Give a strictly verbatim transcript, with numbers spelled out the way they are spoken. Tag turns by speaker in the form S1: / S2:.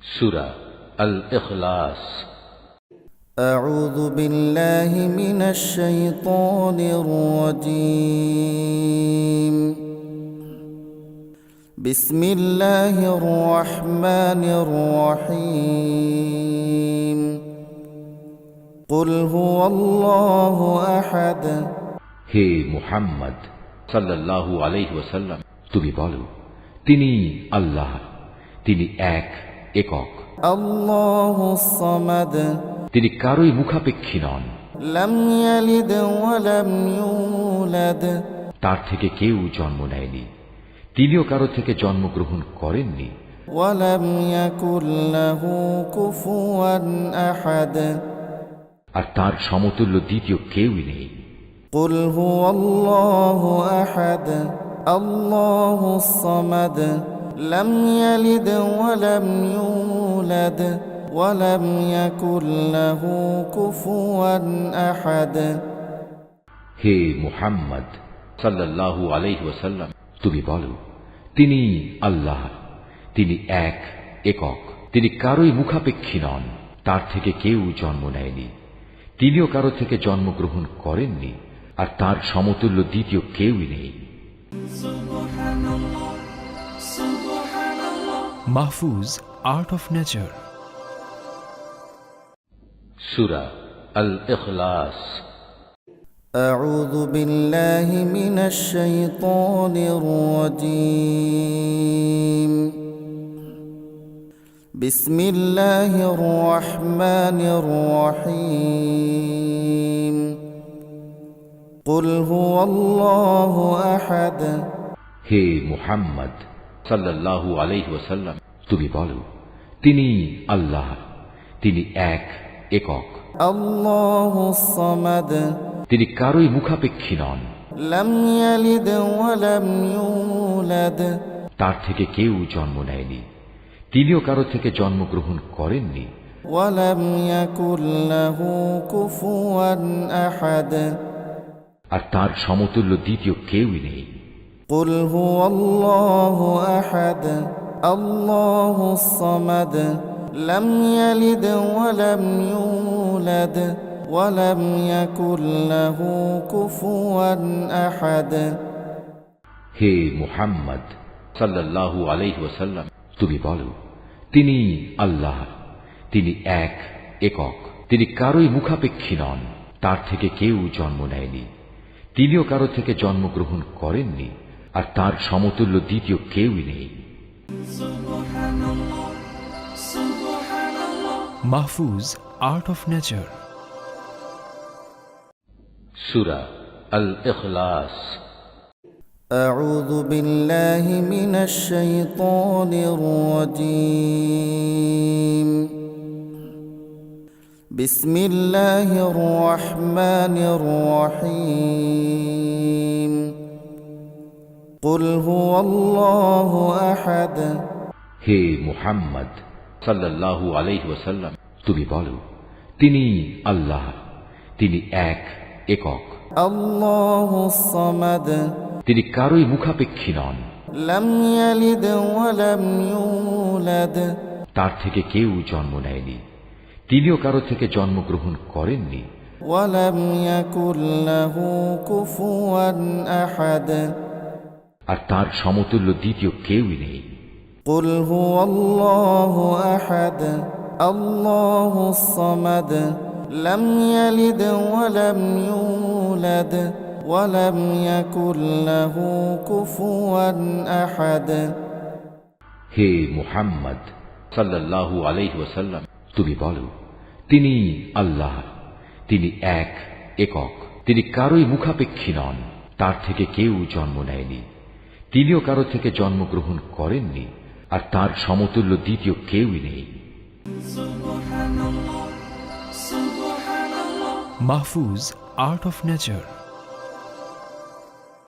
S1: সূরা আল ইখলাস।
S2: আউযু বিল্লাহি মিনাশ শাইতানির রাজীম। বিসমিল্লাহির রহমানির রহিম। কুল হুয়াল্লাহু আহাদ।
S1: হে মুহাম্মদ সাল্লাল্লাহু আলাইহি ওয়াসাল্লাম, তুমি বলো, তিনি আল্লাহ, তিনি এক একক।
S2: আল্লাহুস সামাদ।
S1: তিনি কারোই মুখাপেক্ষী নন।
S2: লাম ইয়ালিদ ওয়া লাম ইউলাদ।
S1: তার থেকে কেউ জন্ম নেয়নি, তিনিও কারো থেকে জন্মগ্রহণ করেননি।
S2: ওয়া লাম ইয়াকুল লাহু কুফুয়ান আহাদ।
S1: আর তার সমতুল্য দ্বিতীয় কেউই নেই।
S2: কুল হুয়াল্লাহু আহাদ। আল্লাহুস সামাদ। লাম ইয়ালিদ ওয়া লাম ইউলাদ ওয়া লাম ইয়াকুল লাহু কুফুয়ান আহাদ।
S1: হে মুহাম্মদ সাল্লাল্লাহু আলাইহি ওয়াসাল্লাম, তুমি বলো, তিনি আল্লাহ, তিনি এক একক। তিনি কারোই মুখাপেক্ষী নন, তার থেকে কেউ জন্ম নেয়নি, তিনিও কারো থেকে জন্মগ্রহণ করেননি। আর তার সমতুল্য দ্বিতীয় কেউই নেই।
S3: Mahfuz, art of nature.
S1: সূরা আল ইখলাস।
S2: আউযু বিল্লাহি মিনাশ শাইতানির রাজীম। বিসমিল্লাহির রহমানির রহিম। কুল হুয়াল্লাহু আহাদ।
S1: হে মুহাম্মদ সাল্লাল্লাহু আলাইহি ওয়াসাল্লাম, তুমি বলো, তিনি আল্লাহ, তিনি এক একক।
S2: আল্লাহুস সামাদ।
S1: তিনি কারোই মুখাপেক্ষী নন।
S2: লাম ইয়ালিদ ওয়া লাম ইউলাদ।
S1: তার থেকে কেউ জন্ম নেয়নি, তিনিও কারো থেকে জন্মগ্রহণ করেননি।
S2: ওয়া লাম ইয়াকুল লাহু কুফুয়ান আহাদ।
S1: আর তার সমতুল্য দ্বিতীয় কেউই নেই।
S2: কুল হুয়াল্লাহু আহাদ। আল্লাহুস সামাদ। লাম ইয়ালিদ ওয়া লাম ইউলাদ ওয়া লাম ইয়াকুল লাহু কুফুয়ান আহাদ।
S1: হে মুহাম্মদ সাল্লাল্লাহু আলাইহি ওয়াসাল্লাম, তুমি বলো, তিনি আল্লাহ, তিনি এক একক। তিনি কারোই মুখাপেক্ষী নন, তার থেকে কেউ জন্ম নেয়নি, তিনিও কারো থেকে জন্মগ্রহণ করেননি। আর তার সমতুল্য দ্বিতীয় কেউই নেই।
S3: Mahfuz, art of nature.
S1: সূরা আল ইখলাস।
S2: আউযু বিল্লাহি মিনাশ শাইতানির রাজীম। বিসমিল্লাহির রহমানির রহিম। কুল হুয়াল্লাহু আহাদ।
S1: হে মুহাম্মদ সাল্লাল্লাহু আলাইহি ওয়াসাল্লাম, তুমি বলো, তিনি আল্লাহ, তিনি এক একক।
S2: আল্লাহুস সামাদ।
S1: তিনি কারোই মুখাপেক্ষী নন।
S2: লাম ইয়ালিদ ওয়া লাম ইউলাদ।
S1: তার থেকে কেউ জন্ম নেয়নি, তিনিও কারো থেকে জন্মগ্রহণ করেননি।
S2: ওয়া লাম ইয়াকুল লাহু কুফুয়ান আহাদ।
S1: আর তার সমতুল্য দ্বিতীয় কেউই নেই।
S2: কুল হুয়াল্লাহু আহাদ। আল্লাহুস সামাদ। লাম ইয়ালিদ ওয়া লাম ইউলাদ ওয়া লাম ইয়াকুল লাহু কুফুয়ান আহাদ।
S1: হে মুহাম্মদ সাল্লাল্লাহু আলাইহি ওয়াসাল্লাম, তুমি বলো, তিনি আল্লাহ, তিনি এক একক। তিনি কারোই মুখাপেক্ষী নন, তার থেকে কেউ জন্ম নেয়নি, তিনিও কারো থেকে জন্মগ্রহণ করেননি। আর তার সমতুল্য দ্বিতীয় কেউই নেই।
S3: Mahfuz, art of nature.